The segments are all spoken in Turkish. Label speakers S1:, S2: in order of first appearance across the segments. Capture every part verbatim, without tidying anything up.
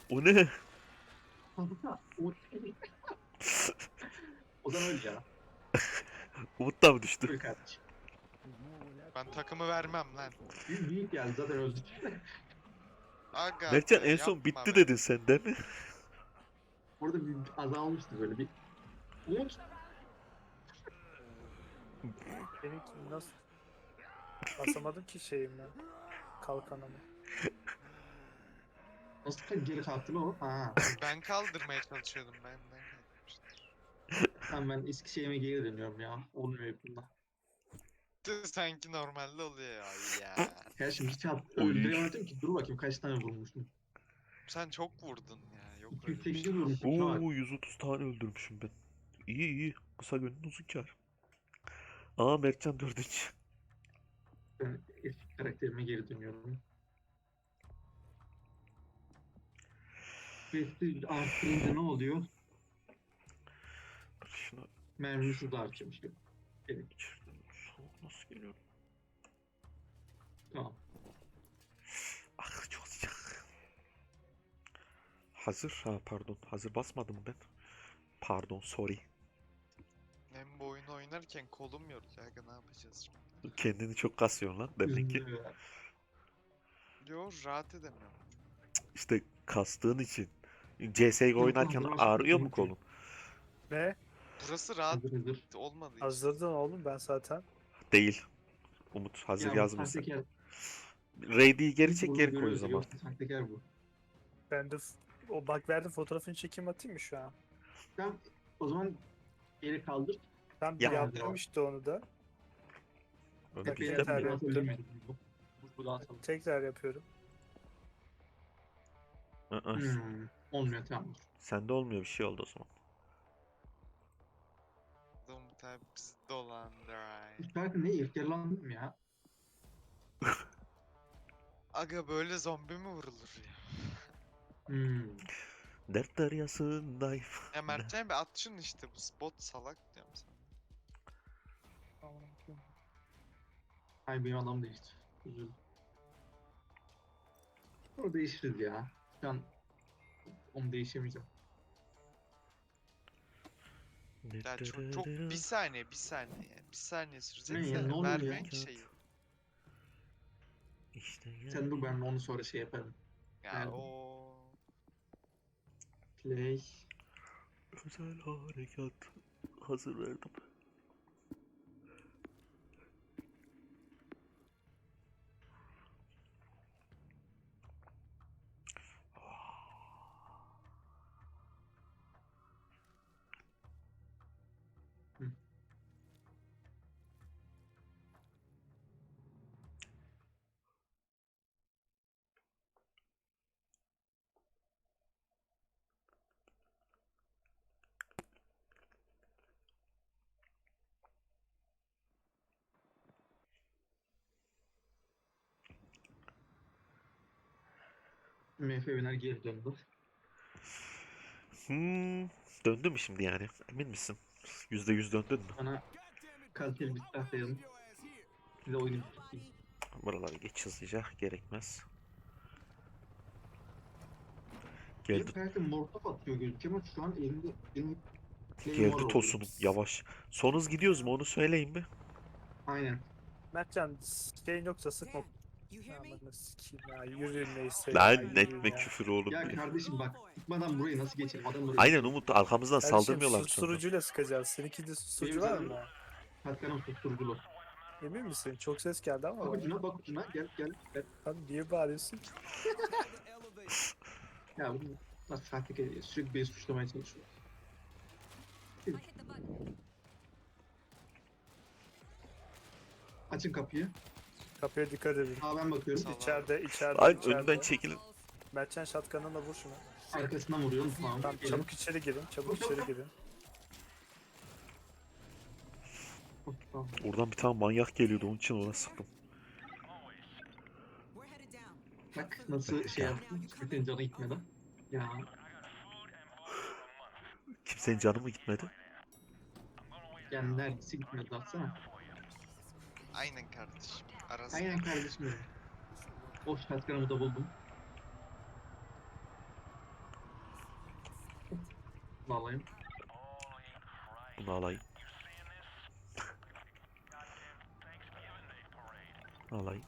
S1: O ne?
S2: O zaman öl ya.
S1: Umut da mı düştü?
S2: Öl kardeşim.
S3: Ben takımı vermem lan.
S2: Büyük, büyük geldi zaten öldük.
S3: Aga
S1: Mertcan
S3: be
S1: en son
S3: yapma
S1: bitti
S3: be.
S1: dedin sen değil mi?
S2: Orada bir azalmıştı böyle bir. Umut.
S4: Benimki nasıl? Basamadım ki şeyimle. Kalkanımı.
S2: Nasıl ka- geri kalktın o? Ha.
S3: Ben kaldırmaya çalışıyordum ben. ben kaldırmıştım.
S2: Tamam ben eski şeyime geri dönüyorum ya. Olmuyor bunda.
S3: Tüh, sanki normalde oluyor ya. ya.
S2: Ya şimdi hiç at
S1: Oy.
S2: öldüremedim ki. Dur bakayım kaç tane vurmuşum.
S3: Sen çok vurdun ya. Yok öyle bir
S2: iki yüz sekiz
S3: şey.
S2: vurmuşum. Şuna bak.
S1: Oo yüz otuz tane öldürmüşüm ben. İyi iyi. Kısa gönlün uzun kar. Aa Mertcan dördüncü.
S2: Ben eski karakterime geri dönüyorum. Quest'i arttırınca ne oluyor?
S1: Şuna
S2: Mermisi de artıyormuş. Evet,
S1: içeriden soğuk nasıl geliyor?
S2: tamam.
S1: Ah çok sıcak. Hazır. Ha pardon. Hazır basmadım ben. Pardon sorry.
S3: Hem bu oyunu oynarken kolum yoruluyor. Aga ne yapacağız şimdi?
S1: Kendini çok kasıyorsun lan demek ki.
S2: Üzüldüm ya.
S3: Yo rahat edemiyorum.
S1: İşte kastığın için. C S G O
S2: Yok lan,
S1: oynarken
S2: dur başka
S1: ağrıyor
S2: bir
S1: mu
S2: şey yok.
S1: kolun?
S4: Ne?
S3: Burası rahat
S2: Hazır hazır.
S3: olmadığı için.
S4: Hazırdın oğlum ben zaten.
S1: Değil. Umut hazır
S2: Ya bu
S1: yazmışsın.
S2: sahtekar.
S1: Raid'i geri
S2: İlk
S1: çek
S2: burada
S1: geri koy o
S2: görüyoruz.
S1: zaman.
S2: Yoksa sahtekar bu.
S4: Ben de f- o bak verdim fotoğrafını çekeyim atayım mı şu an?
S2: Tamam o zaman geri kaldır.
S4: Ben
S1: Ya.
S4: yaptım işte onu da.
S1: Ömer
S4: Bak,
S1: bizden
S4: yeter
S1: mi?
S4: ya.
S2: yaptım. Bu, bu daha sağlam.
S4: Tekrar yapıyorum.
S1: Aa,
S2: Hmm, olmuyor tamam.
S1: sende olmuyor bir şey oldu o zaman.
S3: Umut abi bizi dolandır.
S2: Bu şarkı ne iftirlandım ya.
S3: Aga böyle zombi mi vurulur ya?
S2: Hmm.
S1: Dert deryasındayım.
S3: Ya Mertcan bir at şunu işte bu spot salak diyorum sana.
S2: Ay benim adam değişti. Üzüldüm. O değişiriz ya. Şu an onu değişemeyeceğim.
S3: Ya çok, çok bir saniye bir saniye bir saniye sürecek
S2: Ne ya,
S3: de
S2: ne oluyor ya?
S3: vermeyin şeyi.
S1: İşte
S2: Sen dur
S1: yani.
S3: Hmm.
S2: ben onu sonra şey yaparım.
S3: Ya
S2: Verdim.
S3: o
S2: Play.
S1: Özel harekat. Hazır verdim.
S2: Hı. M F Biner geri döndü.
S1: Hmm, döndü mü şimdi yani? Emin misin? Yüzde yüz döndün mü?
S2: Bana kaliteli bir silah verin. Size oyunu bitireyim.
S1: Buraları geç hızlıca. Gerekmez.
S2: Benim
S1: Geldi.
S2: karakter mortaf atıyor gözüküyor ama şu an elimde benim Claymore
S1: Geldi
S2: oluyor.
S1: tosunum. Yavaş. Son hız gidiyoruz mu onu söyleyin mi?
S2: Aynen.
S4: Mertcan şeyin yoksa sıkma. Aman sikeyim ya yürüyün neyse ya
S1: Lan
S4: yürüyün
S1: etme
S4: ya.
S1: küfür oğlum
S2: Ya
S1: diye.
S2: kardeşim bak tutmadan burayı nasıl geçelim? Adam burayı
S1: Aynen Umut arkamızdan
S4: Kardeşim
S1: saldırmıyorlar sonra.
S4: susturucuyla sıkacağız. Seninki de susturucu
S2: Benim
S4: var
S2: zaten-
S4: mı?
S2: Katkanım susturuculu.
S4: Emin misin? Çok ses geldi ama
S2: Bak
S4: bana.
S2: ucuna bak ucuna gel gel. gel.
S4: Abi niye bağırıyorsun ki?
S2: Ya bu nasıl sahtekar ediyor? Sürekli beni suçlamaya çalışıyor. Açın kapıyı.
S4: Kapıya dikkat edin.
S2: Aa ben bakıyorum.
S3: Sağ ol.
S4: İçeride, içeride,
S1: Ay
S4: içeride.
S1: önümden çekilin.
S4: Mertcan şatkanınla vur şunu.
S2: Arkasından vuruyorum. Tamam.
S4: Tamam
S2: gelin.
S4: çabuk içeri girin, çabuk içeri girin.
S2: Tamam.
S1: Oradan bir tane manyak geliyordu onun için ona sıktım.
S2: Bak nasıl şey yaptım. Bütün canı gitmeden. Ya
S1: Kimsenin canı mı gitmedi?
S2: yani neredeyse gitmedi atsana.
S3: aynen kardeşim. Arasında.
S2: Aynen kardeşim benim. O şatkanımı da buldum. Bunu alayım.
S1: Bunu alayım. Alayım.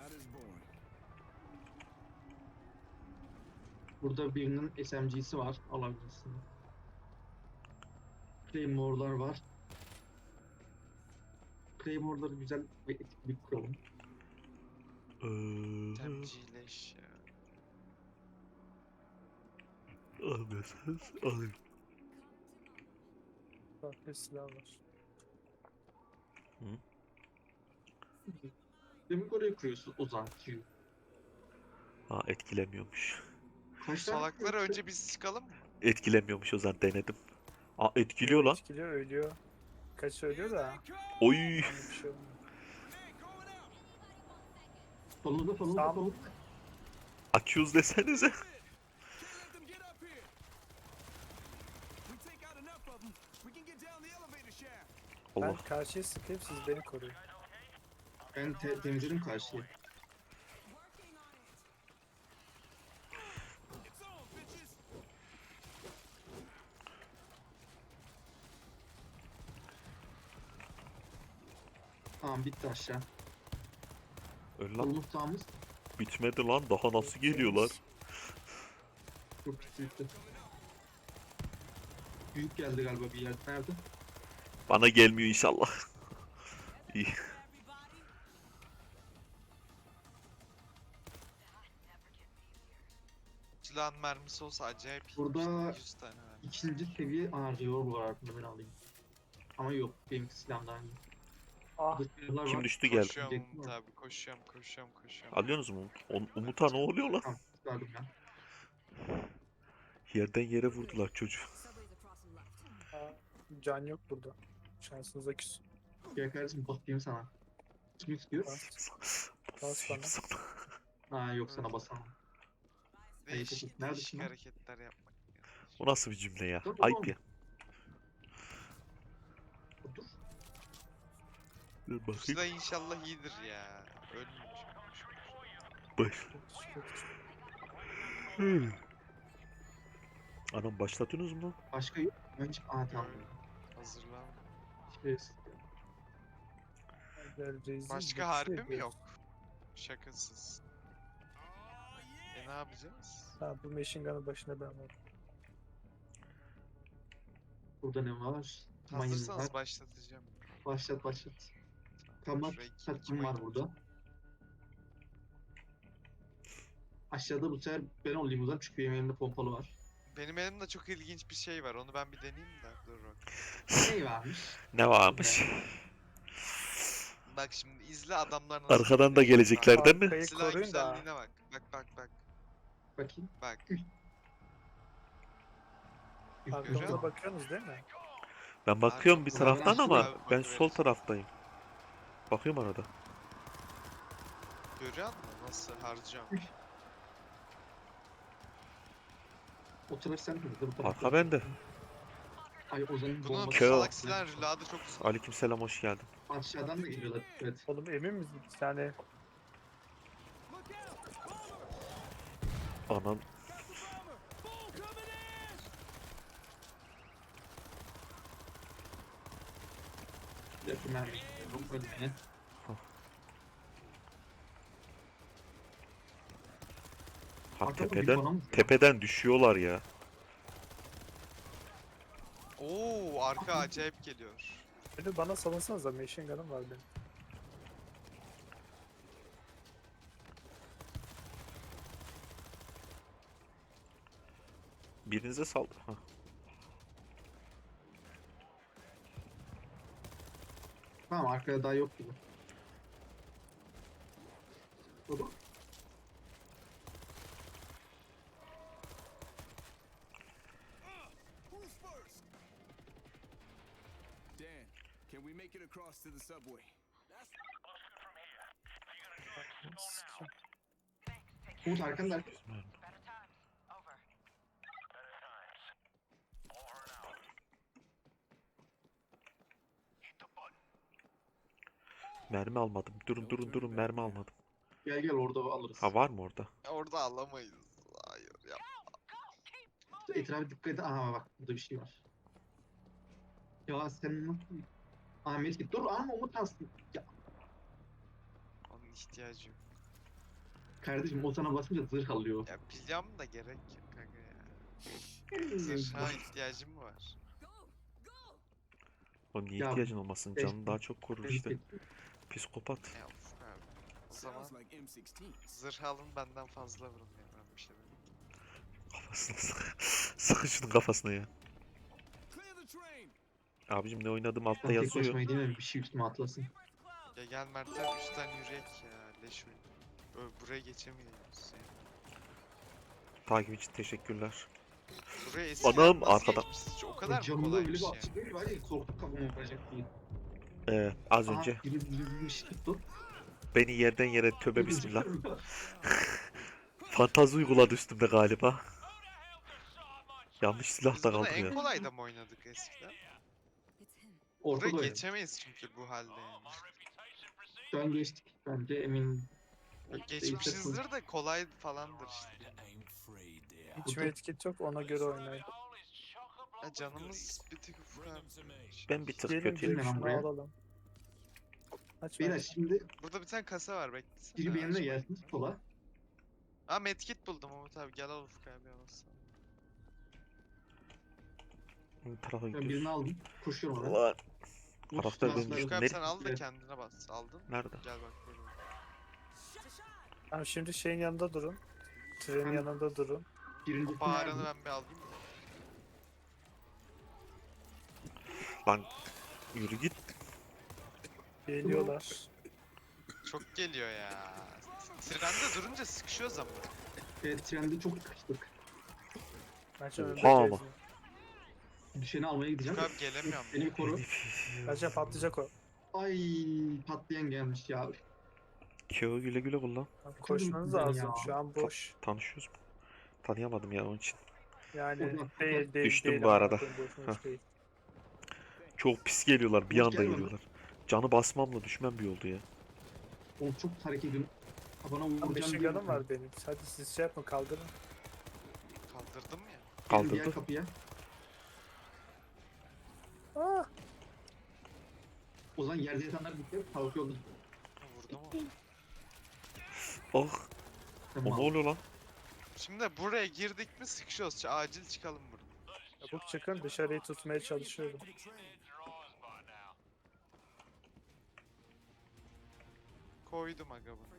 S2: Burada birinin S M G'si var. Alabilirsin. Claymore'lar var. Claymore'ları güzel ve etik bir kuralım.
S1: Ee,
S3: Temcileş ya.
S1: almıyorsanız alayım.
S4: Bak bir silah var.
S2: Demek oraya kuruyorsun Ozan Q.
S1: Ha, etkilemiyormuş.
S2: Kaç tane
S3: Salakları
S2: kuruyorsun?
S3: önce biz çıkalım mı?
S1: Etkilemiyormuş o zaman, denedim. Aa, etkiliyor lan.
S4: Etkiliyor, ölüyor. Kaç ölüyor da.
S1: Oy.
S4: Yani bir şey olmuyor.
S2: Solunda solunda
S4: Sağ-
S2: solunda.
S1: Accuse desenize.
S4: Ben
S1: Allah.
S4: karşıya sıkayım, siz beni koruyun.
S2: Ben te temizledim karşıyı. Tamam bitti aşağı.
S1: Öl lan.
S2: Solumuz sağımız.
S1: Bitmedi lan. Daha nasıl geliyorlar?
S2: Çok bitti bitti. Büyük geldi galiba bir yer. Nerede?
S1: Bana gelmiyor inşallah. İyi.
S3: Silahın mermisi olsa acayip iyi.
S2: Burada-
S3: yüz tane var.
S2: İkinci seviye aa revolver var aklımda ben alayım. Ama yok benimki silahımdan iyi.
S4: Ah,
S2: Burada silahlar
S1: Kim
S2: var.
S1: düştü geldi.
S3: Koşuyorum
S2: Diyecektim
S3: Umut
S2: ama.
S3: abi, koşuyorum, koşuyorum, koşuyorum.
S1: Alıyorsunuz mu? On, Umut'a ne oluyor lan?
S2: Tamam çıkardım ben.
S1: Yerden yere vurdular çocuğu.
S4: ah, can yok burada. Şansınıza küs.
S2: Gel kardeşim basayım sana. Kim istiyor?
S4: Bas.
S1: Basayım
S4: bana.
S1: sana.
S2: Ha yok sana basamam.
S3: Değişik,
S2: Neredesin
S3: değişik
S2: lan?
S3: hareketler yapmak.
S1: O nasıl bir cümle ya?
S2: Dur,
S1: Ayıp
S2: oğlum.
S1: ya.
S2: Dur.
S1: Dur
S3: Bu
S1: bakayım.
S3: silah inşallah iyidir ya. Ölmemiş.
S1: Baş.
S4: Çok-
S1: Hmm. Anam, başlatıyorsunuz mu?
S2: Başka yok. Ben hiç... Aa tamam.
S3: Hazırlan.
S2: Şey,
S4: Gel, rezil
S3: Başka
S4: bir
S3: harbi
S4: şey
S3: mi
S4: yok.
S3: yok? Şakasız. E ne yapacağız?
S4: Ha, bu machine gun'ın başına ben varım.
S2: burada ne var? Mayın var.
S3: Hazırsanız başlatacağım.
S2: Başlat başlat. Tamam.
S3: Şuraya iki- iki
S2: Takım var
S3: mayın
S2: burada. Aşağıda bu sefer ben olayım o zaman çünkü benim elimde pompalı var.
S3: Benim elimde çok ilginç bir şey var. Onu ben bir deneyeyim de. Dur bak.
S2: Ne varmış?
S1: Ne varmış?
S3: Bak şimdi izle adamlar nasıl.
S1: Arkadan da
S3: gidiyor.
S1: gelecekler
S3: Bak,
S1: değil mi?
S4: Arkayı
S3: Silah
S4: koruyun da.
S3: güzelliğine bak. Bak bak bak.
S2: Bakayım.
S3: Bak.
S2: Görüyor
S3: Görüyor
S4: Arkamıza
S2: musun?
S4: bakıyorsunuz değil mi?
S1: Ben bakıyorum bir
S3: Arkamda
S1: taraftan
S2: var.
S1: ama
S3: Abi,
S1: ben
S3: bakıveririz.
S1: sol taraftayım. Bakıyorum arada.
S3: Görüyor musun? Nasıl harcıyorum.
S2: O taraf sen mi? Bu taraf
S1: Arka
S2: sen.
S1: bende.
S2: Ay Ozan'ın
S3: Bunun
S2: bombası.
S1: Kö-
S3: salak silah reload'ı çok uzun.
S1: Aleykümselam, hoş geldin.
S2: Aşağıdan da geliyorlar. Evet.
S4: Oğlum emin misin? Bir tane
S1: Anan.
S2: Yakın mermi. istiyorum, önüne.
S1: Ha,
S2: Arkada bir
S1: tepeden
S2: bana mı?
S1: tepeden düşüyorlar ya.
S3: Oo arka acayip geliyor.
S4: beni bana salınsanız da machine gun'ım var benim.
S1: Birinize saldır. Ha.
S2: Tamam arkada daha yok gibi. Baba.
S5: Dan, can we make it across to the subway?
S2: Umut arkanda arkanda.
S1: Mermi almadım. Durun durun durun, mermi almadım.
S2: Gel gel orada alırız.
S1: Ha, var mı orada?
S3: Orada alamayız. Hayır ya.
S2: etrafa dikkat et. Aha bak burada bir şey var. Ya sen nasıl... Ahmet git. Dur ama Umut alsın. Ya
S3: Onun ihtiyacı yok.
S2: kardeşim o sana basınca zırh alıyor.
S3: Ya biliyorum da gerek yok kanka ya. Zırha ihtiyacım mı var?
S1: O niye
S2: Ya,
S1: ihtiyacın olmasın?
S2: beş-
S1: Canını daha çok korur işte. Psikopat.
S3: Ya of abi. O zaman
S5: Sounds like M sixteens.
S3: zırh alın benden fazla vurun ya. Ben bir şey demeyeyim.
S1: Kafasına sık. Sıkın şunun kafasına ya.
S5: Clear the train.
S1: Abicim ne oynadım altta
S2: Ben tek
S1: yazıyor.
S2: başıma gideyim mi? Bir şey üstüme atlasın.
S3: Ya gel Mert'e üstten yürüyek ya. Leş oyun. Ö- Buraya geçemiyoruz yani.
S1: Takip için teşekkürler.
S3: Buraya eskiden
S1: Anam,
S3: nasıl
S1: arkada.
S3: geçmişiz? O kadar mı
S2: Camında öyle
S3: kolaymış
S2: bir
S3: ya?
S2: açık değil var ya korktuk kafamı vuracak diye.
S1: Ee, az
S2: Aha,
S1: önce
S2: biri biri bir şey tuttu.
S1: beni yerden yere tövbe bismillah. Fantazi uyguladı üstümde galiba. Yanlış silah
S3: Biz
S1: da
S3: bunu
S1: kaldım
S3: en
S1: ya.
S3: kolayda mı oynadık eskiden?
S2: Ortada
S3: Buraya
S2: öyle.
S3: geçemeyiz çünkü bu halde yani.
S2: Şu an geçtik bence eminim.
S3: Yok, geçmişizdir de kolay falandır işte.
S4: Hiç medkit yok ona göre oynayın.
S3: Ya canımız bir tık ufak.
S1: Ben bir tık
S4: Gelin
S1: kötüyüm.
S4: direkt
S2: lan
S4: şunu
S2: buraya.
S4: alalım. Aç
S2: Beyler
S4: medkit.
S2: şimdi
S3: Burada bir tane kasa var beklesene.
S2: biri benimle
S3: açmayın.
S2: gelsin sola.
S3: Aa medkit buldum Umut abi gel al Ufuk abi alasın.
S1: Bu tarafa
S2: Ben birini
S1: gidiyoruz.
S2: aldım. Koşuyorum ona.
S1: Ulan,
S2: Umut,
S1: karakter
S2: silahı
S1: dönmüş.
S2: ver.
S3: Ufuk abi
S1: Ne-
S3: sen al da
S2: Evet.
S3: kendine bas. Aldın.
S1: Nerede?
S3: Gel bak böyle.
S4: Tamam şimdi şeyin yanında durun. Trenin
S2: Tamam.
S4: yanında durun.
S2: Birinci
S3: Bağıranı ben bir alayım mı?
S1: Lan yürü git.
S4: Geliyorlar.
S3: Çok geliyor ya. Trende durunca sıkışıyoruz ama.
S2: Evet trende çok sıkıştık.
S4: Bence önde
S1: Oha ama.
S4: gezin.
S2: Düşeni almaya gideceğim.
S3: Ufuk abi gelemiyorum.
S2: Beni bir koru.
S4: Bence patlayacak o.
S2: Ay patlayan gelmiş ya.
S1: Keo güle güle kullan.
S4: Tamam, koşmanız
S2: güzel
S4: lazım.
S2: ya.
S4: Şu an boş.
S1: Tanışıyoruz mu? Tanıyamadım ya onun için.
S4: Yani
S2: Oradan-
S4: değil değil
S1: Düştüm
S4: değil.
S1: bu
S4: ama
S1: arada.
S4: bakın boşuna hiç değil.
S1: Çok pis geliyorlar. Bir
S2: Umut
S1: anda
S2: gel bana.
S1: geliyorlar. Canı basmamla düşmem bir oldu ya.
S2: Oğlum çok hareket ediyorum. Kafana
S4: Tam
S2: vuracağım
S4: beşin
S2: diye.
S4: yanım var benim. Hadi siz şey yapın kaldırın.
S3: Kaldırdım ya.
S2: Gelin diğer
S1: Kaldırdı.
S2: kapıya.
S4: Ah!
S2: O zaman yerde yatanlar bitti. Kalkıyorlar.
S3: Vurdum onu.
S1: Oh, o
S2: Tamam.
S1: ne oluyor lan?
S3: Şimdi buraya girdik mi sıkışıyoruz. Ç- Acil çıkalım buradan.
S4: Çabuk çıkın dışarıyı tutmaya çalışıyorum.
S3: Koydum aga bunu.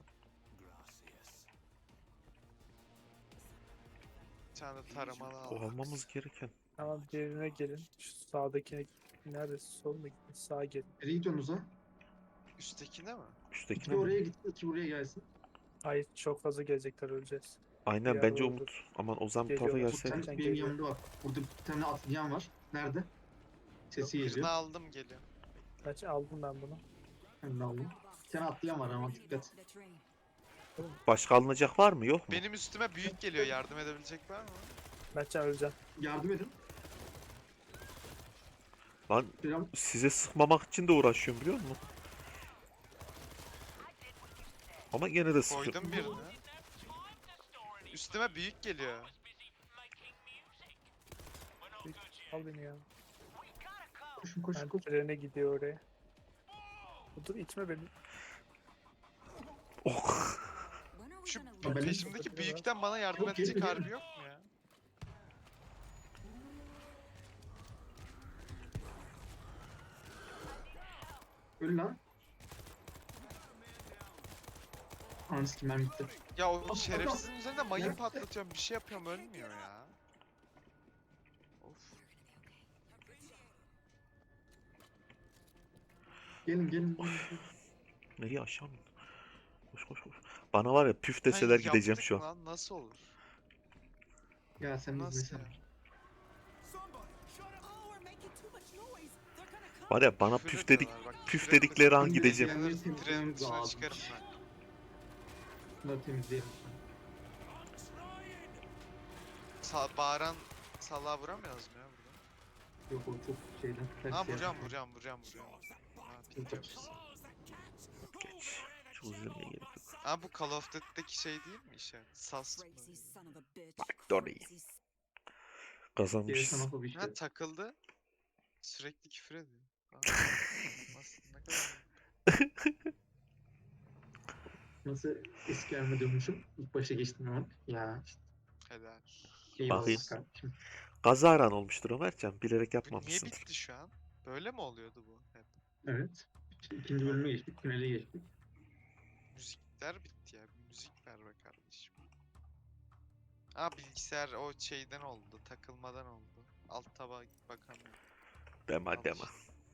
S3: Bir tane de taramalı
S1: O
S3: aldım.
S1: almamız gereken.
S4: Tamam diğerine gelin. Şu sağdakine neresi? Sol mu gidin? Sağa gelin.
S2: Nereye gidiyorsunuz ha?
S3: Üsttekine mi?
S1: Üsttekine
S2: İki
S1: mi?
S2: oraya gitsin, iki buraya gelsin.
S4: Hayır çok fazla gelecekler öleceğiz.
S1: Aynen
S4: Ya
S1: bence
S4: oldu.
S1: Umut. Aman Ozan bu tarafa
S4: Geliyorlar.
S2: Bu
S1: gelseydi.
S2: tane
S4: Sen
S2: benim
S4: geliyor.
S2: yanımda var. Burada bir tane atlayan var. Nerede? Sesi
S3: Birini
S2: geliyor.
S3: aldım geliyor.
S4: Kaç aldım ben bunu.
S2: Ben de aldım. Bir tane atlayan var ama dikkat.
S1: Başka alınacak var mı yok mu?
S3: Benim üstüme büyük geliyor. Yardım edebilecek var mı?
S4: Mertcan öleceğim.
S2: Yardım edin.
S1: Lan
S2: Selam.
S1: size sıkmamak için de uğraşıyorum biliyor musun? Ama gene de sıkıyorum.
S3: Koydum birini. Üstüme büyük geliyor.
S4: Al beni ya.
S2: Koşun koşun
S4: Ben
S2: koşun.
S4: trene gidiyor oraya. Dur itme beni.
S1: Oh.
S3: Şu
S2: Ben-
S3: peşimdeki büyükten bana yardım
S2: Yok,
S3: edecek
S2: geliyor,
S3: harbi
S2: geliyor.
S3: yok mu ya?
S2: Öl lan. Ananı sikim ben bitti.
S3: Ya o
S2: Adam-
S3: şerefsizin üzerinde mayın
S2: Nerede?
S3: patlatıyorum. Bir şey yapıyorum ölmüyor ya. Of.
S2: Gelin gelin. gelin.
S1: Nereye aşağı mı? Koş koş koş. Bana var ya püf
S3: Sen
S1: deseler gideceğim
S3: yaptık
S1: şu an.
S3: mı lan? Nasıl olur?
S2: Ya sen
S3: Nasıl
S2: izlesene.
S3: ya?
S1: Var ya bana
S3: Küfür
S1: püf dedik.
S3: ediyorlar, bak,
S1: püf
S3: küfür
S1: dedikleri an
S2: Şimdi
S1: gideceğim.
S2: diğerleri
S3: Trenin
S2: temizlememiz
S3: dışına
S2: lazım.
S3: çıkarım ben.
S2: Bunları temizleyelim.
S3: Sa bağıran salağa vuramıyoruz mu ya burada?
S2: Yok o çok şeyden. ters
S3: Ha
S2: yer.
S3: vuracağım vuracağım vuracağım vuracağım. Ha bitiyoruz.
S1: Geç. Çok üzülmeye gerek yok.
S3: Ha bu Call of Duty'deki şey değil mi işe? Sas mı?
S1: Bak Dory.
S2: Gerisi
S1: Kazanmışız.
S2: nasıl bir şey?
S3: Ha takıldı. Sürekli küfür ediyor. Aa, nasıl, ne kadar
S2: Nasıl eski halime dönmüşüm? İlk başa geçtim hemen. Ya işte
S3: helal.
S2: eyvallah
S1: Bakayım.
S2: kardeşim.
S1: Kazaran olmuştur Ömercan. Bilerek
S3: Bu niye
S1: yapmamışsındır.
S3: bitti şu an? Böyle mi oluyordu bu hep?
S2: Evet. İşte ikinci bölüme geçtik. Finale geçtik.
S3: Müzikler bitti ya. Bir müzik ver be kardeşim. Aa bilgisayar o şeyden oldu. Takılmadan oldu. Alt taba bakamıyorum.
S1: Deme
S3: Al
S1: deme.
S3: işte.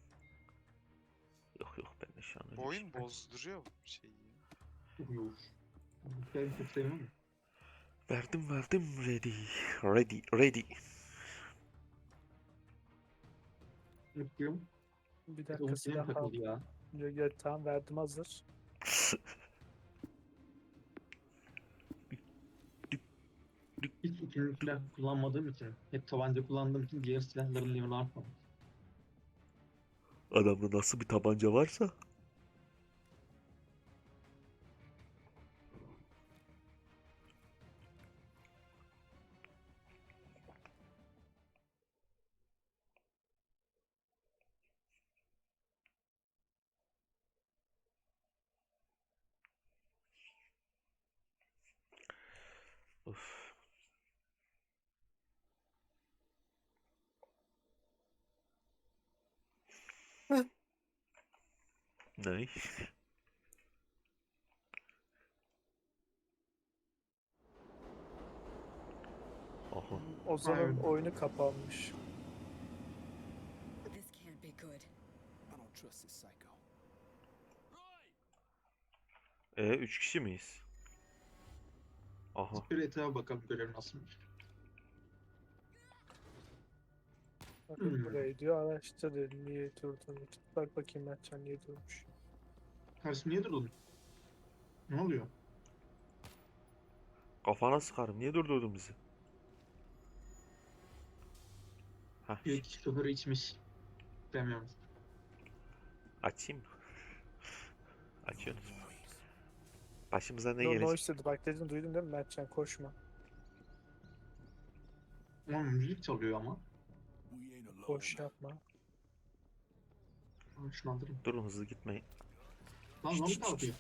S1: Yok yok ben de şu an öyle
S3: Bu
S1: bir
S3: oyun
S1: şey.
S3: bozduruyor bu şeyi.
S2: Uyuyor. Ben çok sevmem.
S1: Verdim verdim ready. Ready ready.
S2: Mutluyum.
S4: Bir
S2: Bir
S4: dakika
S2: Umut yine mi
S4: silah al.
S2: takıldı ya?
S4: Gel, gel, tamam verdim hazır.
S2: Hiç ikinci silah kullanmadığım için, hep tabanca kullandığım için diğer silahların level'ı artmamış.
S1: Adamda nasıl bir tabanca varsa. Of. Ne? Aha.
S4: Ozan'ın
S2: Aynen.
S4: oyunu kapanmış.
S6: This can't be good.
S5: I don't trust this psycho.
S1: E üç kişi miyiz? Aha.
S2: Şöyle etrafa bakalım görev nasılmış.
S4: Bakın
S2: Hmm.
S4: burayı diyor araştır dedi, niye durduğunu. Bak bakayım Mertcan niye durmuş.
S2: Karşı niye durdun? Ne oluyor?
S1: Kafana sıkarım. Niye durdurdun bizi? Hah.
S2: Bir kişi şoförü içmiş. Bilmiyorum.
S1: Açayım mı? Açıyorsunuz. Başımıza ne
S4: No,
S1: gelecek?
S4: noise dedi bak dedim duydun değil mi Mertcan koşma.
S2: Ama müzik çalıyor ama.
S5: We ain't alone.
S4: Boş yapma.
S2: Aa, şunu aldırın.
S1: Durun hızlı gitmeyin.
S2: Lan
S1: Şşt,
S2: zombi
S1: şşt,
S2: kalkıyor.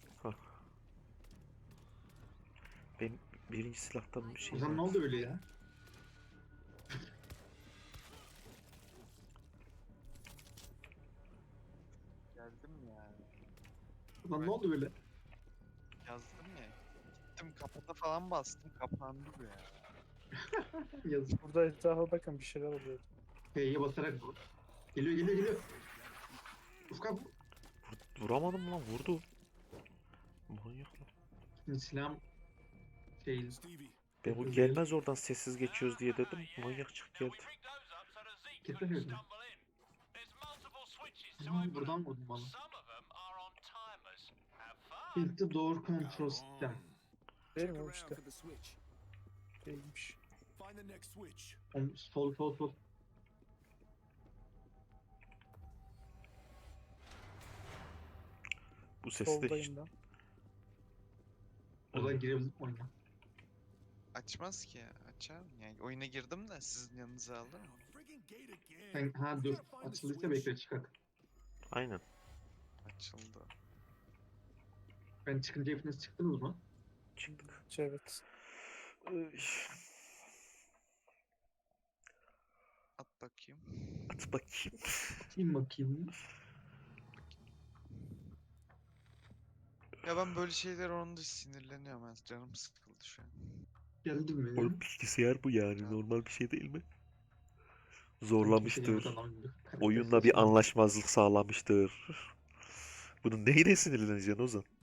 S1: Benim birinci silahtan bir
S2: O
S1: şey
S2: zaman ne
S1: var.
S2: oldu öyle ya?
S3: Geldim ya.
S2: Lan ne oldu böyle?
S3: Yazdım ya. Gittim kapata falan bastım. Kapandı bu ya.
S2: Yazık.
S4: Burada etrafa bakın bir şeyler oluyor.
S2: F'ye basarak vur. Geliyor geliyor geliyor. Ufka bu.
S1: Vur- Vuramadım lan vurdu. Manyak lan.
S2: Şimdi silahım şey
S5: Stevie,
S1: Ben bu
S2: Hızlı
S1: gelmez oradan sessiz geçiyoruz diye dedim. Manyak çık geldi.
S2: kesemedim. Aa, buradan vurdum bana. Build the door control system.
S4: Değil
S5: check
S4: mi o
S5: around
S4: işte?
S5: for the switch.
S4: Değilmiş.
S5: Find the next switch.
S2: On, sol sol sol.
S1: Bu sesi de hiç...
S4: Soldayım ben.
S2: O da girebilir oyuna.
S3: Açmaz ki ya. Açar mı? Yani oyuna girdim de sizin yanınıza aldım.
S5: Friggin' gate again.
S2: Sen ha dur. Açıldıysa bekle çıkak.
S1: Aynen.
S3: Açıldı.
S2: Ben çıkınca hepiniz çıktınız mı?
S1: Çıktık.
S4: Evet.
S1: Üy,
S3: At bakayım.
S1: At bakayım.
S2: Atayım bakayım.
S3: Ya ben böyle şeyler onda sinirleniyorum. Ben canım sıkıldı şu an.
S2: Geldi mi?
S1: Oğlum bilgisayar bu yani. Normal bir şey değil mi?
S2: Kimse
S1: Zorlamıştır.
S2: gelmedi, adam gibi.
S1: Oyunla bir anlaşmazlık sağlamıştır. Bunun neyine sinirleneceksin Ozan?